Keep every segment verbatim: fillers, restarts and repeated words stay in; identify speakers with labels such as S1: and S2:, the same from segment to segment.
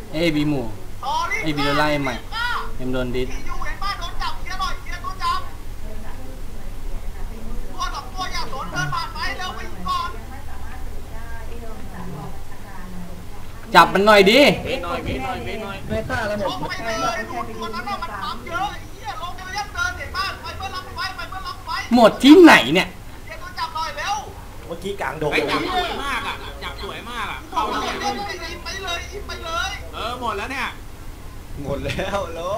S1: เอบีหมู่เอบีโดนไล่ใหม่เอ็มโดนดิส
S2: อยู่เห็นบ้านโดนจับเคลียร์หน่อยเคลียร์ตัวจับตัวสองตัวอย่าสนเดินผ่านไปเร็วไปก่อน
S1: จับมันหน่อยดิ
S3: เว้นหน่อยเว้นหน่อยเว้นหน่อยไม่ฆ่าแล้วหมด
S2: ไปเลยดูตัวนั้นน่ะมันปั๊มเยอะไอ้เหี้ยลงไปเรียกเดินเห็นบ้านไปเพื่อรับไฟไปเพื่อรับไฟ
S1: หมดที่ไหนเนี่ย
S2: เคลียร์ตัวจับหน่อยเร็ว
S4: เมื่อกี้กลางดง
S3: จับสวยมากอ่ะจับสวยมากอ่ะ
S2: เข้าเลยอินไปเลยอินไปเลย
S3: เออหมดแล้วเนี่ย
S4: หมดแล้วโล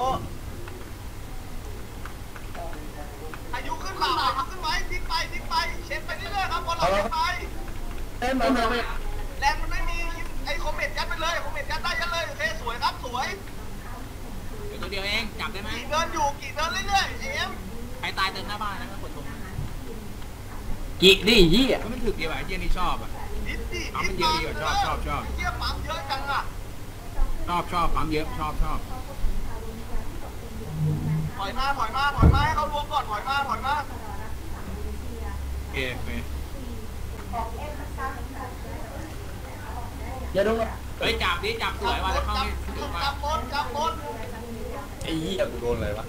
S2: อายุขึ้นมาอายุขึ้นไว้ทิ้งไปทิ้งไปเช็ดไปเรื่อยๆครับบอลเราเช็ดไป
S4: เต้นมาเลย
S2: แรงมันไม่มีไอ้คอมเมนต์ยัดไปเลยคอมเมนต์ยัดได้ยัดเลยโอเคสวยครับสวย
S3: ตัวเดียวเองจับได้ไหม
S2: กี่เดินอยู่กี่เดินเรื่อยๆเอ็ม
S3: ใครตายเดินหน้าบ้านนะก็กดตรง
S1: กี่ดิยี่
S3: ก็มันถึกดีว่ะเยี่ยนี่ชอบอ่ะ
S2: นิดดิ
S3: เอามันเยอะดีกว่าชอบชอบชอบ
S2: เยี่ยปั๊มเยอะจังอ่ะ
S3: ชอบชอบปั๊มเยอะชอบชอบ
S2: ถอยมาถอยมาถอยมาให้เขารวมก่อนถอยมาถอยมา
S3: โอเคโอเค
S4: อย่าโดน
S3: เฮ้ยจับดิจับสวยว่ะแล้วเข้านี่
S2: จับบนจับบน
S4: ไอ้เหี้ยกูโดนอะไรวะ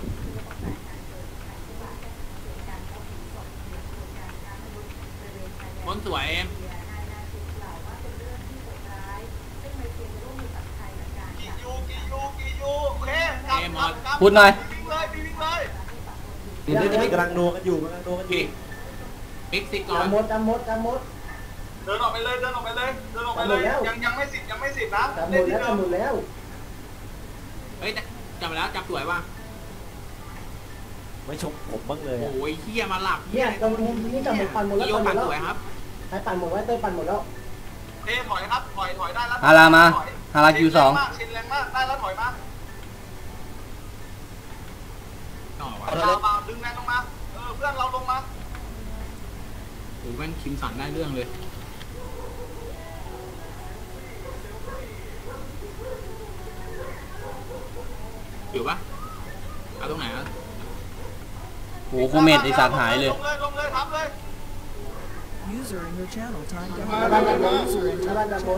S3: บนสวยเอ็ม
S2: กี่ยูกี่ยูกี่ยูโอเคจับจับ
S1: พูดหน่อย
S2: วิ่งเลยวิ่งเลย
S4: เดี๋ยวนี้กำลังโนกันอยู่กำลังโนกันอยู่
S3: บิ๊กซิกก่อน
S4: จำมดจำมดจำมด
S2: เดินออกไปเลยเดินออกไปเลยเดินออกไปเลยยังยังไม่สิบยังไม่สิบนะ
S4: จำหมดแล้วจำหมดแล้ว
S3: เฮ้ยจับแล้วจับสวยว่ะ
S4: ไม่ชมผมบ้างเลย
S3: โอ้ยเฮียมาหลับ
S4: เนี่ยตรงนี้จำหมดปั่นหมดแล้ว
S3: ปั่นสวยครับ
S4: ใครปั่นหมดไว้เต้ยปั่นหมดแล้ว
S2: เต้ถอยครับถอยถอยได้แล้ว
S1: ฮารามาฮาราคิวสอง
S2: ชินแรงมากได้แล้วถอยมา
S3: ต่อว่ะ
S2: เรามาดึงแรงลงมาเออเพื่อนเราลงมา
S3: โอ้ยแม่งคิมสันได้เรื่องเลยอยู่ปะเอาตรงไหนอ่ะ
S1: โหโคเมดไอสัตว์หายเลย
S2: ลงเลยลงเลยทับเลย
S5: User in your channel timed out
S4: บ้านจำมดบ้านจำมด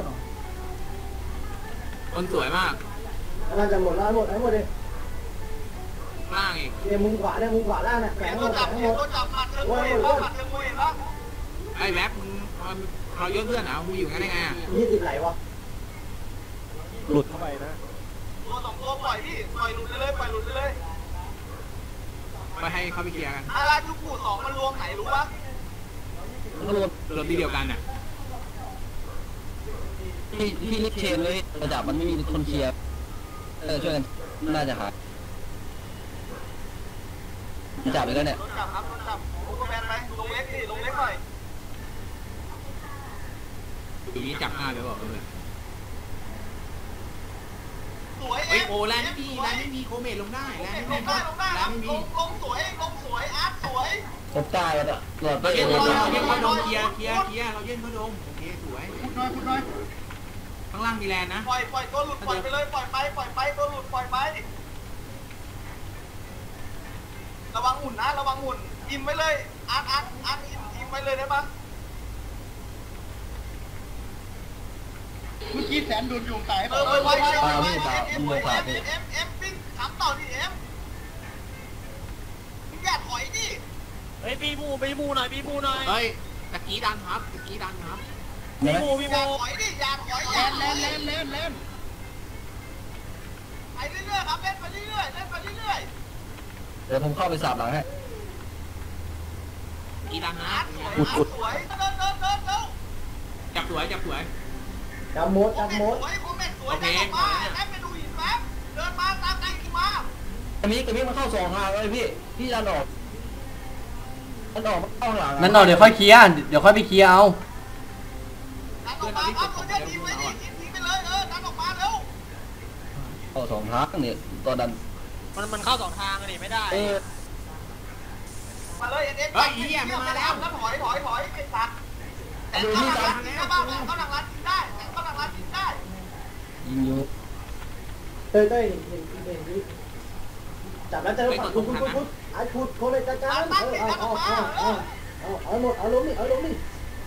S3: คนสวยมาก
S4: บ้านจำหมดแล้วหมดไอ้หมดเลย
S3: ล่างอีก
S4: เนี่ยมุมขวาเนี่ยมุมขวาล่างเนี่ยแข็งหมดแข็งหมด
S2: ว่าหมดแล้วผัดเชิงมวยแล้ว
S3: ไอ้แว็บมึงเราเยอะเพื่อนเหรอมึงอยู่งั้นได้ไงอ่ะ
S4: ยี่สิบไหลวะหลุดเข้าไปนะ
S2: ตัวสองตัวปล่อยพี่ปล่อยหลุดเลยปล่อยหลุดเลย
S3: ไปให้เขาไปเคลียร์กัน
S2: อาราจูกูสองมันรวมไหนรู้ปะ
S3: ก็รวมรวมที่เดียวกันน่ะ
S6: ที่ที่ลิฟเชนเลยระดับมันไม่มีคนเคลียร์เออช่วยกันน่าจะหาจับไปแล้วเนี่ย
S2: จับครับจับโอ้ก็แมนไปลงเล็กดิลงเล็กหน่อย
S3: อยู่นี้จับหน้าเลยบอกเลย
S2: สวย
S3: เอ้ยโอ้แลนไม่มีแลนไม่มีโคเมทลงได้แลนไม่มีแลนไม่มี
S2: ลงสวยลงสวยอาร์ตสวย
S6: จะตายแล้วหลอดไป
S3: เย็น
S6: เอ
S3: เขาเย็นเขาดมเคลียร์เคลียร์เคลียร์เราเย็นเขาดมโอเคสวย
S2: พูดน้อยพูดน้อย
S3: ข้างล่างมีแลนนะ
S2: ปล่อยปล่อยตัวหลุดปล่อยไปเลยปล่อยไปปล่อยไปตัวหลุดปล่อยไประวังหุ่นนะระวังหุ่นอิ่มไว้เลยอาร์ตอาร์ตอาร์ตอิ่มอิ่มไว้เลยได้ปะเมื่อกี้แสนโดนโยงตายเออไปไปไปไปเอ็มเอ็มเอ็มเอ็มปิ้งถามต่อดิเอ็มมึงอย่าถอยดิ
S3: เฮ้ยปีมูปีมูหน่อยปีมูหน่อยเฮ้ยตะกี้ดันครับตะกี้ดันครับปีมูปีมู
S2: อย่าถอยดิอย่าถอยอย่าเล่นเล่นเล่นเล่นไปเรื่อยๆครับเล่นไปเรื่อยๆเล่นไปเรื่อย
S6: ๆเดี๋ยวผมเข้าไปสาบหลังให้
S3: กีดันนะ
S2: สวยสวยเดินเดินเดินเดิน
S3: จับสวยจับสวย
S4: จับมดจับมด
S2: โอเคมาแอปไปดูหินแป๊บเดินมาตามใจขึ้นมา
S6: ตรงนี้ตรงนี้มันเข้าสองทางเลยพี่พี่ดันออกดันออกมันเข้าหลัง
S1: นั่นออกเดี๋ยวค่อยเคลียร์เดี๋ยวค่อยไปเคลียร์เอา
S2: ดันออกมาครับตัวเดียวทิ้งไปดิทิ้งไปเลยเออดันออกมาเร็ว
S6: เข้าสองทางนี่ตัวดัน
S3: มันมันเข้าสองทางนี่ไม่ได้
S2: มาเลยเอ็นเอ็นเฮ้ยเหี้ยมันมาแล้วแล้วถอยถอยถอยไอ้สัตว์แต่เข้าหลังร้านกินได้บ้างเข้าหลังร้านกินได้เข้าหลังร้านกินได้
S6: ยิงอยู่
S4: เต้ยเต้ยเห็นเห็นนี้จับแล้วเจอฝั่งคุณคุณคุณไอ้ขุดโคเลยจ้าจ้าเออเอาเอาเอาเอาเอาเอาหมดเอาลงนี่เอาลงนี่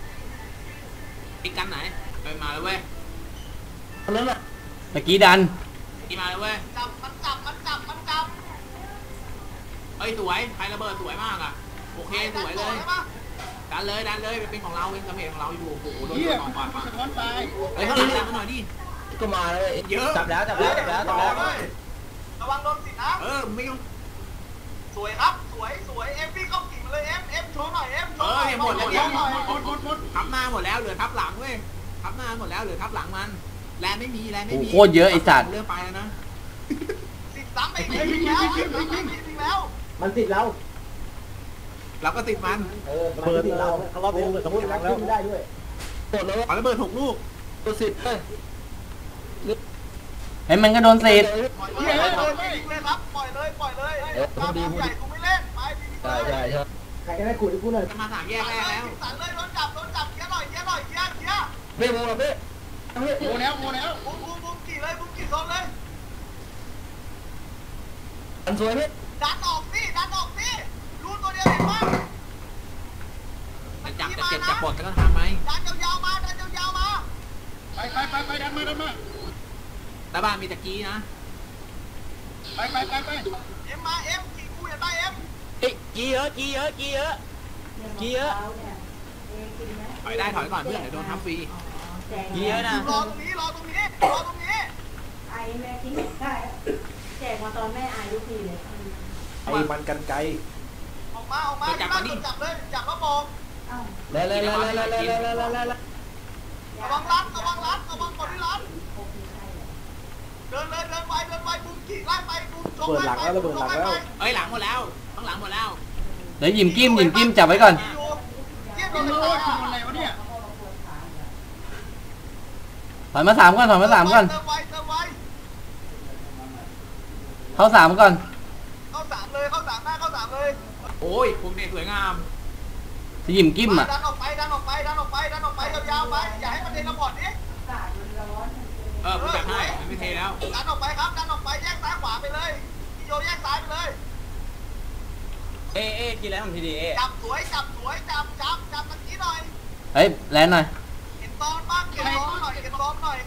S3: อีกกันไหนไปมาแล้วเว้ย
S6: อันนั้นแหละ
S1: ตะกี้ดัน
S3: อีมาเลยเว้ย
S2: จับมันจับมันจับมันจับ
S3: เฮ้ยสวยไฟระเบิดสวยมากอ่ะโอเคสวยเลยดันเลยดันเลยเป็นของเราเป็นกระเพงของเราอยู่โอ้โหโดนตัวปาดปาดเฮ้ยข้างหลังดันมาหน่อยดิ
S6: ก็มาเลย
S3: เยอะ
S6: จับแล้วจับแล้วจับแล้วจับแล้ว
S2: ระวังโดนสินะ
S3: เออไม่ต้อง
S2: สวยครับสวยสวยเอ็มพี่เข้ากิ่งเลยเอ็มเอ็มโชว์หน่อยเอ็มโช
S3: เอ
S2: ว์ห
S3: อ
S2: น่อย
S3: เนี่ยหมดแล้วเนี่ยทับหน้าหมดแล้วเหลือทับหลังเว้ยทับหน้าหมดแล้วเหลือทับหลังมันแลนไม่มีแลนไม่มี
S1: โคตรเยอะไอ้สัตว์
S3: เลือกไปแล้วนะ
S2: สิบสามไปอีกแล้วสิบสามไปอีกแล้ว
S4: มันติดเรา
S3: เราก็ติดมัน
S4: เออมันติดเราเขาเราเป็นต้องแรงได้ด้วย
S6: หมดแล้ว
S3: ขอระเบิดหกลูก
S6: ตัวสิบเลย
S1: เฮ้ยมันก็โดนเศษ
S2: ปล่อยเลยปล่อยเลยครับปล่อยเลยปล่อยเลยตามใหญ่กูไม่เล่นไป
S6: ใช่ใช่ใช่
S4: ใครก็ได้กูที่กูหน่อย
S3: จะมาสามแยกแรกแล้ว
S2: สั่นเลยโดนจับโดนจับเกี้ยหน่อยเกี้ยหน่อยเกี้ยเกี้ย
S6: ไม่โมหรอพี่พี่
S2: โมแล้วโมแล้วบุ้มบุ้มบุ้มกี่เลยบุ้มกี่โซนเลย
S6: อันสวยพี่
S2: ดันออกสิดันออกสิรูตัวเดียวเห็นมั้ย
S3: จะจับจะเจ็บจะปวดก็ต้องทำไหม
S2: ดันยาวๆมาดันยาวๆมา
S7: ไปไปไปไปดันมาดันมา
S3: ตาบ้านมีตะกี้นะ
S7: ไปไปไปไป
S2: เอ็มมาเอ็มกี่กูเห็นไหมเอ็ม
S3: เอ้ยกี้เยอะกี้เยอะกี้เยอะกี้เยอะถอยได้ถอยก่อนเพื่อนเดี๋ยวโดนทับฟรีกี้เยอะนะ
S2: รอตรงนี้รอตรงนี้รอตรงนี้
S8: ไอแม่ทิ้งได้แจกมาตอนแม่ไอทุกทีเลย
S6: ไอ้มันกันไกล
S2: ออกมาออกมาจับเลยจับแล้วมอง
S8: อ้าว
S6: แล้วแล้วแล้วแล้วแล้วแล้วแล้วแล้ว
S2: ระวังรัดระวังรัดระวังคนที่รัดเดินเลยเดินไปเดินไปบุ้มกี่ไล่ไปบุ้มจงไล่ไปจงไล่ไป
S3: เอ้ยหลังหมดแล้วข้างหลังหมดแล้ว
S1: เดี๋ยวหยิมกิ้มหยิมกิ้มจับไว้ก่อน
S2: เทียบ
S7: โอ้
S2: โดน
S7: โห
S2: เลย
S7: คืออะไรวะเนี่ย
S1: ถอยมาสามก่อนถอยมาสามก่อน
S2: เติมไว้เติมไว้
S1: เข้าสามก่อน
S2: เข้าสามเลยเข้าสามหน้าเข้าสามเลย
S3: โอ้ยพวกนี้สวยงาม
S1: จะหยิมกิ้มอ่ะ
S2: ดันออกไปดันออกไปดันออกไปดันออกไปยาวๆไปอย่าให้มันเทระบอดนี้
S8: อากาศมันร้อน
S3: เออผมจัดให้มันไม่เทแล้ว
S2: ดันออกไปครับดันออกไปแยกซ้ายขวาไปเลยกิโยแยกซ้ายไปเลย
S1: เอเอกินแล้วผมทีดีเอ
S2: จับสวยจับสวยจับจับจับตะกี้หน่อย
S1: เฮ้ยแลนหน่อย
S2: เห็นตอนบ้างเห็นตอนหน่อยเห็นตอนหน่อย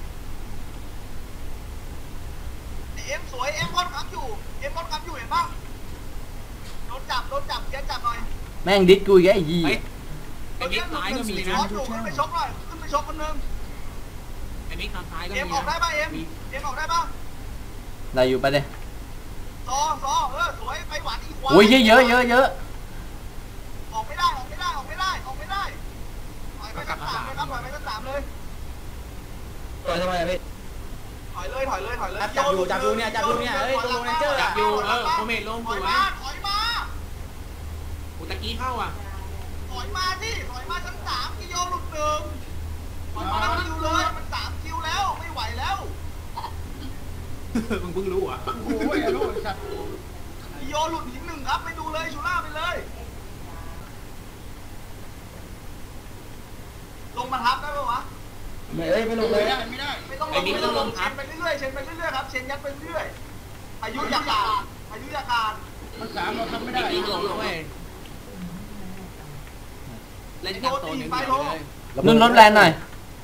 S2: เอ็มสวยเอ็มค่อนข้างอยู่เอ็มค่อนข้างอยู่เห็นบ้างโดนจับโดนจับเกียร์จับหน่อย
S1: แม่งดิสกูอีกไอ้ยี่
S3: เฮ้ยไอ้มิกซ้ายก็มีนะ
S2: อยู่ขึ้นไปชกหน่อยขึ้นไปชกคนนึง
S3: ไอ้มิกทางซ้ายก็
S2: เอ็ม
S3: มี
S2: ออกได้
S3: นะ
S2: ป่ะเอ็มเอ็มออกได้ป่ะ
S1: ได้อยู่ไปเลย
S2: ซอซอเออสวยไปหวานอีกขวา
S1: โอ้ยเยอะเยอะเยอะเยอะ
S2: ออกไม่ได้ออกไม่ได้ออกไม่ได้ออกไม่ได้ถอยไปกันสามเลยครับถอยไปกันสามเลย
S6: ต่อยทำไมพี่
S2: ถอยเลยถอยเลยถอยเลย
S1: จับอยู่จับอยู่เนี่ยจับอยู่เนี่ยเฮ้ยตัวโรนันเจอร์
S3: จับอยู่เออโคเมทลง
S2: ถ
S3: ส
S2: อย
S3: วย
S2: มาถอยมา
S3: อุตะกี้เข้าอ่ะ
S2: ถอยมาที่ถอยมาชั้นสามกิโยหลุดหนึ่งถอยมาแล้วคิวเลยมันสามคิวแล้วไม่ไหวแล้ว
S3: มึงเพิ่งรู้อ่ะ
S7: โอ้โหไอ้ลูกไอ้สัตว์
S2: กิโยหลุดหินหนึ่งครับไปดูเลยชูล่าไปเลยลงมาทับได้ปะวะ
S6: ไม่เอ้ยไม่ลงเล
S7: ไม่
S6: ย
S7: ได้ไม่ได้
S2: ไม่ต้องลงไม่ต้องลงเชนไปเรื่อยๆเชนไปเรื่อยๆครับเชนยัดไปเรื่อยอายุยาการอายุยาการ
S7: มันสามเราทำไม่
S3: ไอ้
S7: ได้
S3: มิกลงด้วยเล่นกับตัวหนึ่งเดียวเลย
S1: นุ่นลดแลนหน่อย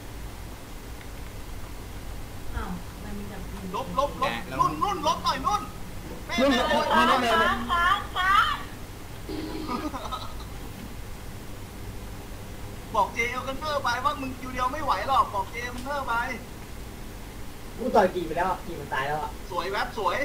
S8: อ้าวมันมีแบบ
S2: ลบลบลบนุ่นนุ่นลบหน่อยนุ่นแม่
S6: นุ่น
S2: แม่
S6: ไม่ได้แม่เลย
S2: บอกเจเอลกันเทอร์ไปว่ามึงคิวเดียวไม่ไหวหรอกบอกเจเอลกันเทอร์ไป
S4: กูต่อยกี่ไปแล้วกี่มันตายแล้วอ่ะ
S2: สวยแวบสวย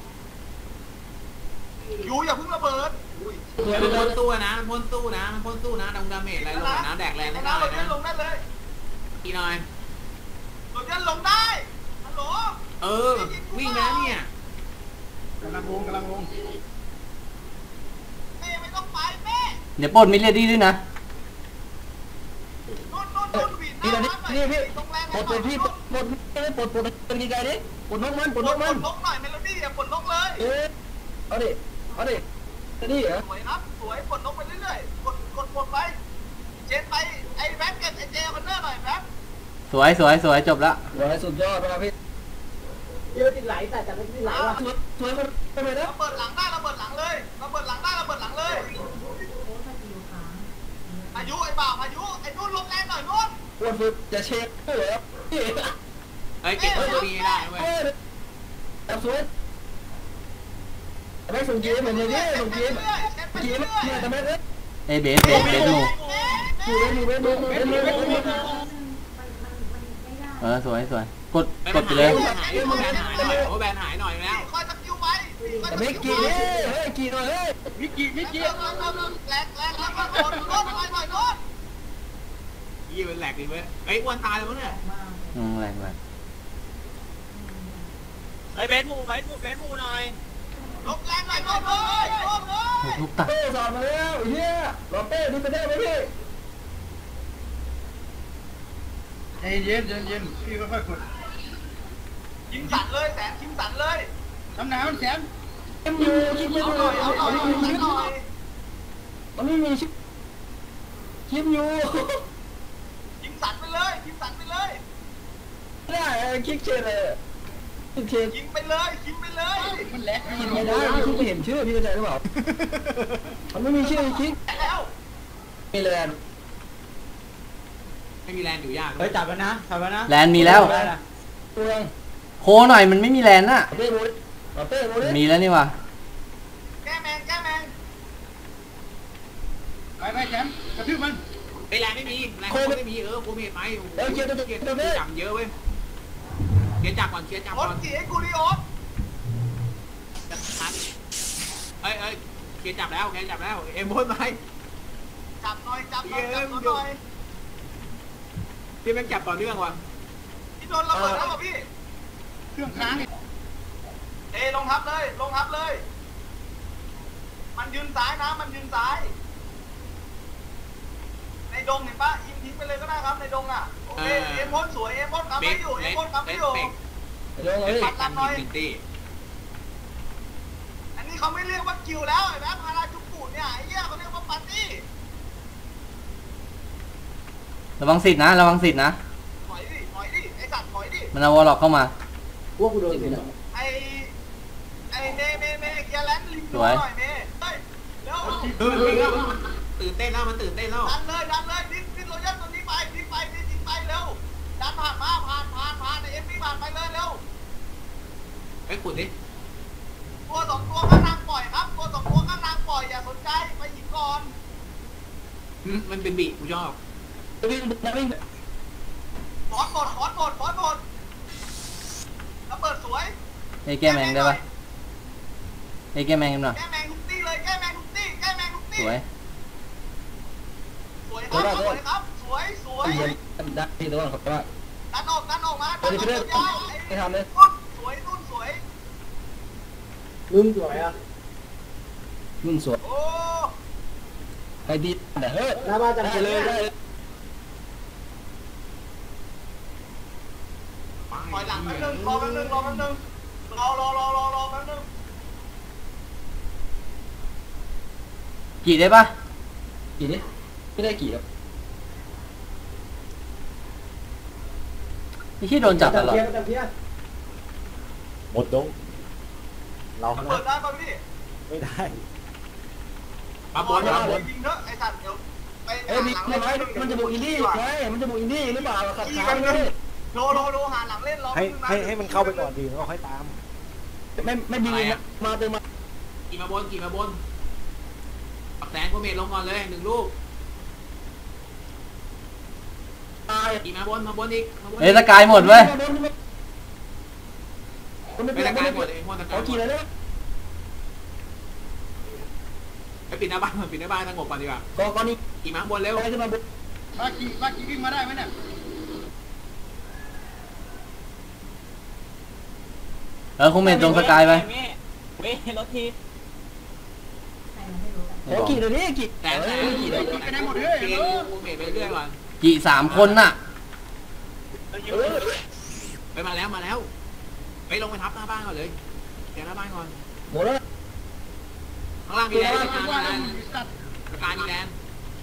S2: ยูอย่าเพิ่งระเบิด
S3: มันพ่นตู้นะมันพ่นตู้นะมันพ่นตู้นะดงดาเมจอะไรลงนะแดกแรง
S2: ใน
S3: ไม่ได้
S2: น้ำเราเล่น
S3: นะ
S2: ลงได้เลย
S3: อีหน่อย
S2: เราเล่นลงได้ฮัลโหล
S3: เออวิ่งแล้วเนี่ย
S7: กำลังลงกำลังลง
S2: แม่ไม่ต้องไปแม่
S1: เดี๋ยวปล้นมิลเลดี้ด้วยนะ
S2: นุ่นนุ่นนุ่นวีด
S6: นี่นะนี่พี่
S2: ตรงแรง
S6: ปลดปลดพี่ปลดปลดปลดปลดเป็นยังไงดิปลดนกมันป
S2: ป
S6: ล
S2: ล
S6: ด
S2: ด
S6: นกมัน
S2: ลงหน่อยเมโลดี้อย่าปลดลงเลย
S6: เอ๊ะเอาดิเอาดินี่เหรอ
S2: สวยครับสวยปลดลงไปเรื่อยๆกดกดปลดไปเจนไปไอ้แบ็คเก็ตไอ้เจเอลกันเทอร์หน่อยแบ็ค
S1: สวยสวยสวยจบละ
S6: สวยสุดยอดมากพี่
S4: เยอะติดไหลแต่แต่ไม่ติดไหลว่ะ
S6: สวยสวยคนทำไมนะ
S2: ระเบิดหลังได้ระเบิดหลังเลยระเบิดหลังได้ระเบิดหลังเลย
S8: โค้ชมาอยู่ค้าง
S2: อายุไอ้บ่าวอายุไอ้นุ่นลงแรงหน่อยนุ่น
S6: ปวดฝึกจะเช็คเหรอพี่
S3: เฮ้ยเก็บตัวนี้ได้เว้ย
S6: เจับสวยไม่ส่งเกมเหมือนเดิมส่งเกมเกมเนี่ยทำไมเอ้ย
S1: เอเบสเบสเบสดู
S6: ดูเล่นดูเล่นดูเล่นดูเล่นดู
S1: เออสวยสวยกดกดไปเลย
S3: หายแบนหายหน่อยโอ้แบนหายหน่อยแล้ว
S2: คอยสกิลไว้
S6: แต่ไม่กี่เฮ้ยเฮ้ยกี่หน่อยเฮ้ย
S7: มิกกี้มิกกี้
S2: แรงแรงแรงแรงแล้วก็โดนโดนไปไปโดน
S3: ยี่เป็นแหลกดิเว้ยไอ้อ้วนตายแล้วมั้งเนี่ย
S1: อืมแรงแรง
S9: ไอ้เบสมูเบสมูเบสมูหน่อย
S2: ลงแรงหน่อยโดนเลยโดนเลย
S1: ลูกตัด
S6: เป้สอนมาแล้วเฮียรอเป้ดูไปได้ไหมพี่
S7: ใจเย็นเย็นเย็นพี่ค่อยๆกด
S2: ยิงสั่นเลยแสนยิงสั่นเลย
S7: น้ำหนาวแสน
S6: เอ็มยูคิดไม่
S2: เอา
S6: ได้
S2: หน่อยเอาหน่อยเอาหน่อย
S6: มันไม่มีชิปคิมยู
S2: ยิงสั่นไปเลยยิงสั่นไปเลย
S6: ไม่ได้คิกเชนเลยคิกเชน
S2: ยิงไปเลยยิงไปเลย
S7: มันแหลก
S6: คิดไม่ได้พี่ไม่เห็นชื่อพี่เข้าใจหรือเปล่ามันไม่มีชื่อคิก
S2: แล้ว
S6: มีแลน
S3: ไม่มีแรงอยู่ยาก
S9: เฮ้ยจับแล้วนะจับแล้วนะ
S1: แลนมีแล้ว
S6: เมือง
S1: โคหน่อยมันไม่มีแลนน่ะ
S6: เป้โมดเป้โมด
S1: มีแล้วนี่ว่ะ
S2: แก้แมงแก้แมง
S7: ไปไปแสนกระทืบมัน
S3: ไอ้แรงไม่มีแรงไม่มีเออกูมีไหมเกียร์ตัวเกียร์ตัวจับเยอะเว้ยเกียร์จับก่อนเกียร์จับ
S2: โอ๊
S3: ก่
S2: ต
S3: อน
S2: จีไอ้กูริโอ๊ต
S3: เอ้ยเอ้ยเกียร์จับแล้วเกียร์จับแล้วเอ็มบนไป
S2: จับหน่อยจับหน่อยจับหน่อย
S3: พี่แม่งจับต่อเนื่องว่ะ
S2: พี่โดนระเบิดแล้วป่ะพี่
S7: เครื่องค้าง
S2: เอลงทับเลยลงทับเลย มันยืนซ้ายนะมันยืนซ้าย ในดงเห็นปะยิงทิ้งไปเลยก็ได้ครับในดงอ่ะโอเคเอ็มพ่นสวยเอ็มพ่นกำ
S3: เบ
S2: ไม่
S3: ส
S2: อยู่
S3: เล
S2: เอ็ม
S3: ส
S2: พ่นกำ
S3: เล
S2: ไม่
S3: ส
S2: อยู่
S3: เบก
S6: ลงเลย
S3: ปัดกันยิงตี
S2: อันนี้เขาไม่เรียกว่าคิวแล้วไอ้แม่พาราจุกุเนี่ยไอ้เหี้ยเขาเรียกว่าปาร์ตี้
S1: ระวังสิทธิ์นะระวังสิทธิ์นะ
S2: ถอยดิถอยดิไอ้สัตว์ถอยดิ
S1: มันเอาวอลล็อกเข้ามา
S4: พวกกูโดนสินะ
S2: ไอ้ไอ้เมเมเมเกียร์แลนด์ลิมดูหน่อยเมเฮ้ยเร็ว
S3: เออมันตื่นเต้นแล้วมันตื่นเต้นแล้ว
S2: ดันเลยดันเลยดิ้นดิ้นโรยัลตัวนี้ไปดิ้นไปดิ้นดิ้นไปเร็วดันผ่านมาผ่านผ่านผ่านไอ้เอ็มพีผ่านไปเลยเร็ว
S3: ไอ้ขุดดิ
S2: ตัวสองตัวข้างนางปล่อยครับตัวสองตัวข้างนางปล่อยอย่าสนใจไปหยิบก่อน
S3: มันเป็นบีกูชอบ
S6: วิ่งวิ่ง
S2: บอสหมดบอสหมดบอสหมดระเบิดสวย
S1: เอ้ยแก้แมงได้ปะเอ้ยแก้แมงกันหน่อย
S2: แก้แมงทุกตี้เลยแก้แมงทุกตี้แก้แมงทุกตี้
S1: สวย
S2: สวยครับสวยครับสวยสวย
S6: ได้ที่ตัวเขาว่า
S2: ดันออกดันออกมาดันออกยาวไอ้นุ่นสวยนุ่นสวย
S4: ลืมสวยอ่ะ
S6: นุ่นสวย
S2: โอ้
S6: ไอ้ดีแต่เฮ้ย
S4: หน้าบ้านจัง
S6: ได้เลยได้เลย
S2: ปล่อยหลังแป๊บนึงรอแป๊บนึงรอแป๊บนึงรอรอรอรอรอแป๊บนึง
S1: กี่ได้ปะ
S6: กี่นี่ไม่ได้กี่ครับ
S1: ไอ้ที่โดนจับตลอด
S4: เพี้ยจับเพี้ย
S10: หมดดงเรา
S2: เปิดได้ป่ะพี่
S10: ไม่ได้
S3: มาบนมาบน
S2: ยิงเถอะไอ้สัตว์เดี๋ยวไป
S6: เอ้ยมีไม่ไหมมันจะบุกอินดี้ไงมันจะบุกอินดี้หรือเปล่าขัดขาเลย
S2: โลโลโลหาหลังเล่นรอ
S10: ให้ให้ให้มันเข้าไปก่อนดีแล้วค่อยตาม
S6: ไม่ไม่ดีมาเติมมา
S3: กี่มาบนกี่มาบนปักแสงกูเมทลงก่อนเลยหนึ่งลูก
S6: ตาย
S3: กี่มาบนมาบนอีกมาบน
S1: เอ้ยสกายหมดเว้ย
S3: ไม่ตะกายหมดเลยพวกตะกาย
S6: เอากี่เลยเนี่ย
S3: ไปปิดหน้าบ้านปิดหน้าบ้านสงบก่อนดีกว่า
S6: ก็ก็นี่
S3: กี่มาบนเร็ว
S6: ไปขึ้นมาบุก
S7: ลากกี่ลากกี่วิ่งมาได้ไหมเนี่ย
S1: เออคงเมนตรงสกายไป
S9: เว้ยรถที
S6: โอ้กี่เลยนี่กี่
S3: แต่แต่กี่เลยกี่ไหนหมดเลยกูเมทไปเรื่อยก่อน
S1: กี่สามคนน่ะ
S3: ไปมาแล้วมาแล้วไปลงไปทับหน้าบ้านก่อนเลยแกหน้าบ้านก่อน
S6: หมดแล้ว
S3: ข้างล่างมีแลนด์
S7: ว่า
S3: ข้าง
S7: ว่า
S3: ล่าง
S7: แล้ว
S3: มีแลนด์
S7: สัตว์
S3: สกายมีแลนด์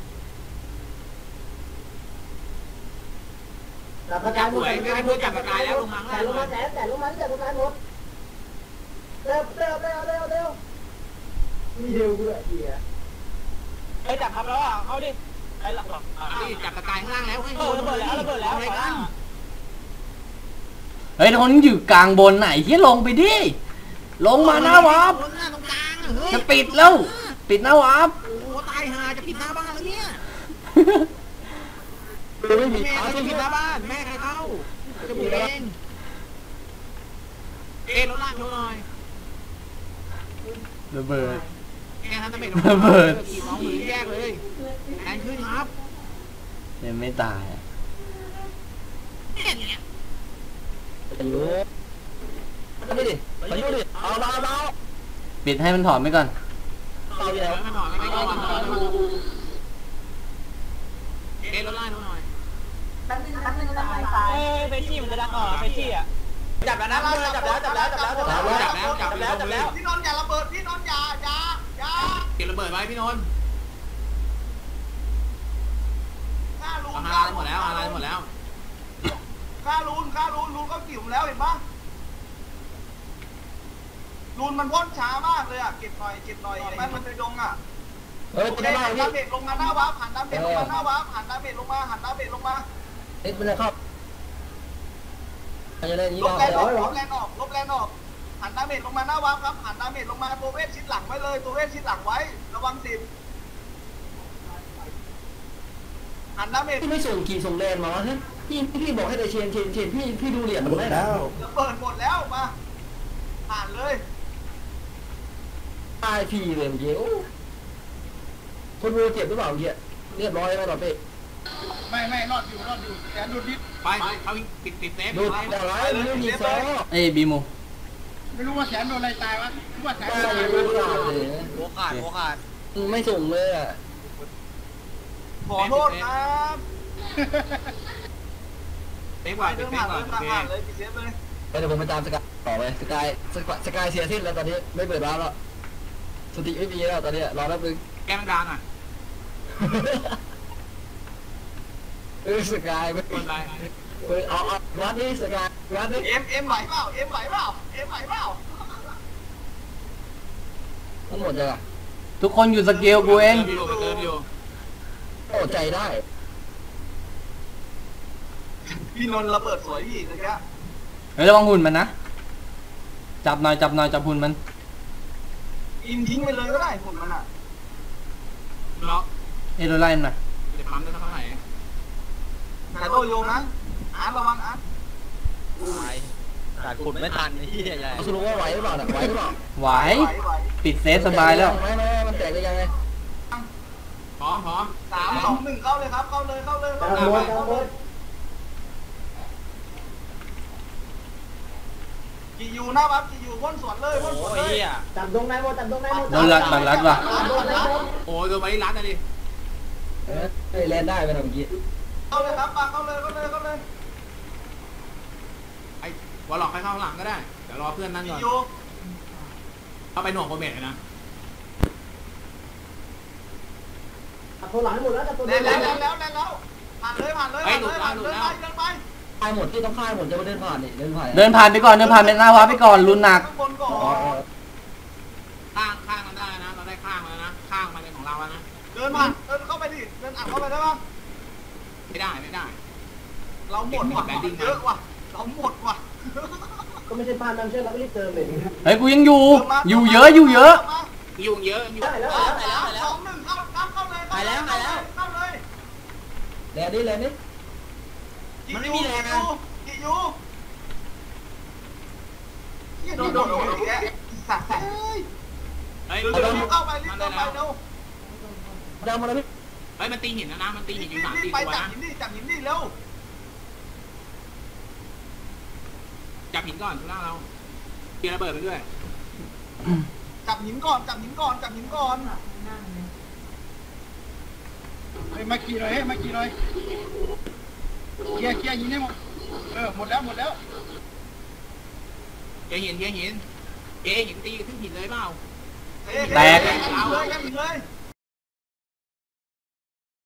S4: จับสกายหมด
S3: แต่ลงมา
S4: แต่ลงมาแสนแต่ลงมาที่จับสกายหมดเร็วเร็วเร็วเร็วเร็วมีเร็วกูเลยเหี้ย
S9: เฮ้ยจับครับแล้วอ่ะเอาดิไอ้หลักหลัก
S3: นี่จับสกายข้างล่างแล้วให้
S9: เออระเบิดแล้วระเบิดแล้ว
S3: อะไรกัน
S1: เฮ้ยคนอยู่กลางบนไหนที่ลงไปดิลงมาหน้าวาร์ป
S3: ตรงกลางเฮ้ย
S1: จะปิดแล้วปิดหน้าวาร์ป
S3: โอ้ตายห่าจะปิดหน้าบ้านแล้วเนี่ย
S6: ไม่มี
S3: แม่
S6: ขา
S3: ใคร
S6: ไม่
S3: ปิ
S6: มี
S3: ดหน้าบ้านแม่ใครเข้าจะปิดเองเอ็นรถล่างโชว์หน่อย
S1: ระเบิด
S3: แอนทันตะเมด
S1: ระเบิด
S3: ขี่สองมือแยกเลยแอนขึ้นครับ
S1: ยังไม่ตายอะ
S3: เนี่ย
S6: อยู่ไม่ดิมาอยู่ดิเอาเบาเบา
S1: ปิดให้มันถอนไปก่อน
S6: เบาอยู่
S3: เดี๋
S6: แล้
S3: ยว วมันถอนไม่ก่อนเอ็นรถล่างโชว์หน่อย
S8: แป๊บนึงแป๊บนึงตายตาย
S9: เอ้ยเฟชี่มันจะดังออกเฟชี่อ่ะจับแล้วนะจับแล้วจับแล้วจับแล้วจับแล้ว
S3: จับแล้วจับแล้วจับแล้ว
S2: พี่นนท์อย่าระเบิดพี่นนท์อย่าอย่าอย่า
S3: เก็บระเบิดไว้พี่นนท์
S2: ฆ่าลูน
S3: เอาฮาราหมดแล้วฮาราหมดแล้ว
S2: ฆ่าลูนฆ่าลูนลูนก็กิ่วแล้วเห็นปะลูนมันพ่นช้ามากเลยอ่ะเก็บหน่อยเก็บหน่อยแม่มันไปดงอ่ะ
S6: เฮ้ย
S2: โอ
S6: เป็น
S2: เค
S6: อะไร
S2: หัน
S6: พี่
S2: ดาเมจลงมาหน้าวาร์ปหันดาเมจลงมาหน้าวาร์ปหันดาเมจลงมาหันดาเมจลงมา
S6: เอ็ดเป็นอะไรครับอะไรนี้
S2: ล
S6: เรา
S2: บแรงออกลบแรงออกลบแรงออกหันดาเมจลงมาหน้าวาร์ปครับหันดาเมจลงมาตัวเวทชิดหลังไว้เลยตัวเวทชิดหลังไว้ระวังสิบหันดาเมจ
S6: พี่ไม่ส่งกี่ส่งแลนมาวะฮะพี่พี่บอกให้แต่เชนเชนเชนพี่พี่ดูเหรียญ
S10: หม
S6: มัน
S10: ด
S6: ได้
S10: แล้ว
S2: ระเบิดหมดแล้วมาผ่านเลย
S6: ตายพี่เลยเมื่อกี้คนวัวเจ็บหรือเปล่าเมื่อกี้เรียบร้อยไหมต่อเป๊ะ
S7: ไม่ไม่รอดอยู่รอดอยู่แต่ดูดิ
S3: ไปเขาปิดปิดเซฟ
S6: ดูแต่ไรไม่มีซอ
S1: เอ้ยบีมู
S7: ไม่รู้ว่าแสนโดนอะไรตายวะรู้ว่าแสน
S6: ไม่
S7: โดนอะไร
S6: รู้
S7: วะ
S6: ขาดเลย
S9: หัวขาดหัวขาด
S6: ไม่ส่งเลยอ่ะ
S2: ขอโทษครับ
S3: เซฟ
S2: ไป
S3: ก่อน
S2: เดิน
S3: เซ
S2: ผ่า
S3: ฟ
S2: น
S3: ก่อน
S2: เดิน
S3: โอ
S2: ผ่าน
S3: เค
S2: ผ่านเลยปิดเซฟเลย
S6: เดี๋ยวผมไปตามสกายต่อไปสกายสกายเสียสิ้นแล้วตอนนี้ไม่เปิดร้านแล้วสติไม่มีแล้วตอนนี้รอแป๊บนึง
S3: แก้มดานอ่ะ
S6: เออสกายไม่
S3: คนไร
S6: เปิดเอาเอาร้านนี้สกายร้านนี้
S2: เอ็มเอ็มไหวเปล่าเอ็มไหวเปล่าเอ็มไหวเปล่า
S6: ทั้งหมดเลยอ่ะ
S1: ทุกคนอยู่สเกลกูเอง
S3: เติมอยู่เติมอยู่
S6: โอ้ใจได้
S2: พี่นนท์ระเบิดสวยพี่เลยครับ
S1: เฮ้ยระวังหุ่นมันนะจับหน่อยจับหน่อยจับหุ่นมัน
S2: อินทิ้งไปเลยก็ได้หุ่นมันอ่ะ
S3: ล็อก
S1: เอ้ยโดนไล่มันหน่อย
S3: จะปั๊มได้เท่าไหร่
S2: แต่โตโยงนะอาร์ตระวังอาร์ต
S9: ขาดขุดไม่ทันไอ้เหี้ยใหญ่
S6: สรุปว่าไหวหรือเปล่าไหวหรือเปล่า
S1: ไหว
S2: ไหวไหว
S1: ปิดเซฟสบายแล้ว
S6: ไม่ไม่มันแตกได้ยังไง
S3: พร้อมพร้อม
S2: สามสองหนึ่งเข้าเลยครับเข้าเลยเข้าเลย
S4: กลา
S2: เข้าง เลย
S4: บนกลางบน
S2: กี่ยูหน้าบัฟกี่ยูพ่นสวนเลยพ่นสวน
S9: โอ้
S2: เลย ย
S9: เหี้ย
S4: จับตรงไหนหมดจับตรงไหนหมด
S1: โดนรัดโดนรัดว่ะ
S4: โดนแล้ว
S3: โอ้ยโดนไปที่ร้านนะดิ
S6: เฮ้ยแลนได้ไปหน่อยเมื่อกี้
S2: เข้าเลยครับมาเข้าเลยเข้าเลยเข้าเลย
S3: ไอ้วอลล็อกให้เข้าหลังก็ได้เดี๋ยวรอเพื่อนนั่นก่
S2: กี่
S3: อน
S2: ยู
S3: เข้าไปหน่วงโคเมทเลยนะ
S4: จับตัวหลังหมดแล้วจับตัวห
S2: แล้
S4: ลั
S2: ว
S4: ง
S2: แล้วแล้วแล้วแล้วผ่านเลยผ่านเลยผ่านเลยผ่านเลยเดินไปเดินไป
S6: ค่ายหมดที่ต้องค่ายหมดจะมาเดินผ่านนี่เดินผ่าน
S1: เดินผ่านไปก่อนเดินผ่านไปหน้าวาร์ปไปก่อนรุนหนัก
S2: ข้างบนก่อ
S6: อ๋อน
S3: ข้างข้างมันได้นะเราได้ข้างมาแล้วนะข้างมันเป็นของเราแล้วนะ
S2: เดินผ่านเดินเข้าไปดิเดินอัดเข้าไปได้ปะ
S3: ไม่ได้ไม่ได้
S2: เราหมดว่ะเยอะว่ะเราหมดว่ะ
S4: ก็ไม่ใช่พานมันใช่เราไม่รีบเติมเลย
S1: เฮ้ยกูยังอยู่ อยู่เยอะอยู่เยอะ
S3: ยุ่งเยอะยุ่ง
S4: ได้แล้ว
S2: สามสองหนึ่งเข้าเข้าเลยเข้าเลย
S6: แลนนี่แลนนี่
S2: มันไม่มีแรงนะกี่ยูกี่โดนโดนโดนแกสัตว์เฮ้ย
S3: เฮ้ย
S2: เร็วๆเข้าไปรีบเข้าไปเร็ว
S6: ดาวมาแล้วพี่
S3: เฮ้ยมันตีหินนะนะมันตีหินอยู่สาม
S2: รี
S3: สี่
S2: บไป
S3: ตัว
S2: จับ
S3: นะ
S2: หินดิจับหินดิเร็ว
S3: จับหินก่อนทุกหน้าเราเกียร์ระเบิดไปด้วย
S2: จับหินก่อนจับหินก่อนจับหินก่อน
S7: เฮ้ยมาขี่หน่อยเฮ้ยมาขี่หน่อยเคลียร์เคลียร์ยิงให้หมดเออหมดแล้วหมดแล้ว
S3: เกียร์หินเกียร์หินเกียร์หินตีขึ้นหินเลยเปล่า
S2: เลยกันเลย